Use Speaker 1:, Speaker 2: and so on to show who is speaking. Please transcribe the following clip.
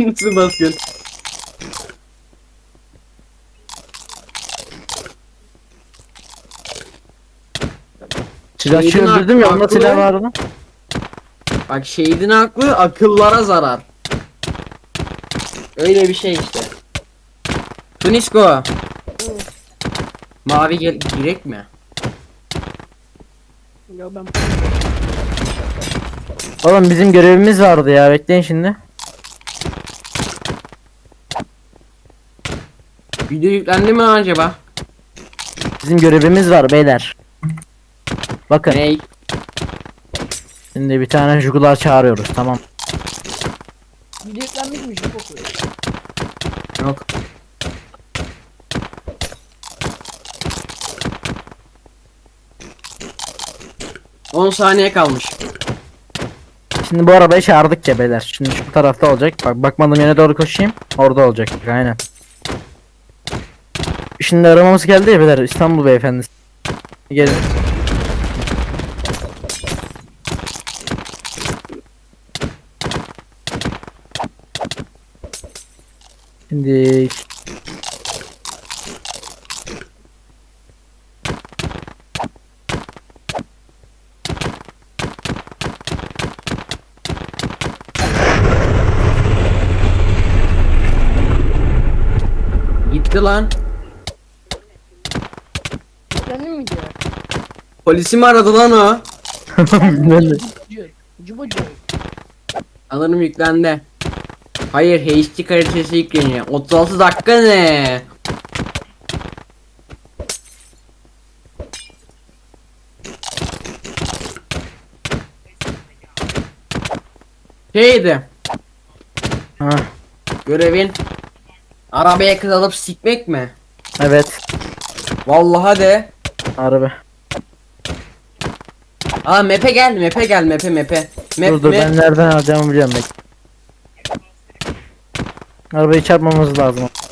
Speaker 1: Nasıl basıyorsun?
Speaker 2: Silahçıyı
Speaker 1: Şehidin
Speaker 2: öldürdüm ya, onda
Speaker 1: aklı-
Speaker 2: silah vardı.
Speaker 1: Bak şehidin aklı akıllara zarar. Öyle bir şey işte. Tunisko. Mavi girek mi?
Speaker 3: Ya ben
Speaker 2: Oğlum bizim görevimiz vardı ya, bekleyin şimdi.
Speaker 1: Video yüklendi mi acaba?
Speaker 2: Bizim görevimiz var beyler. Bakın
Speaker 1: Ney?
Speaker 2: şimdi bir tane jugular çağırıyoruz, tamam.
Speaker 3: video yüklenmiş mi? Çok okuyor.
Speaker 1: Yok. On saniye kalmış.
Speaker 2: Şimdi bu arabayı çağırdık ya beyler. Şimdi şu tarafta olacak. Bak, bakmadığım yere doğru koşayım. Orada olacak. Aynen. Şimdi aramamız geldi ya beyler. İstanbul beyefendisi. Gelin. Şimdi
Speaker 1: Gitti lan.
Speaker 3: Yüklendi mi video?
Speaker 1: Polisi mi aradı lan o?
Speaker 2: bilmem.
Speaker 3: Cubucu.
Speaker 1: Sanırım yüklendi. Hayır, HD kalitesi yükleniyor. 36 dakika ne? Şeydi.
Speaker 2: Ha,
Speaker 1: Görevin arabaya kız alıp sikmek mi?
Speaker 2: evet.
Speaker 1: Vallahi de.
Speaker 2: Araba.
Speaker 1: Aa map'e gel, map'e gel, map'e.
Speaker 2: Dur dur, ben nereden alacağımı biliyorum bek. Arabayı çarpmamız lazım.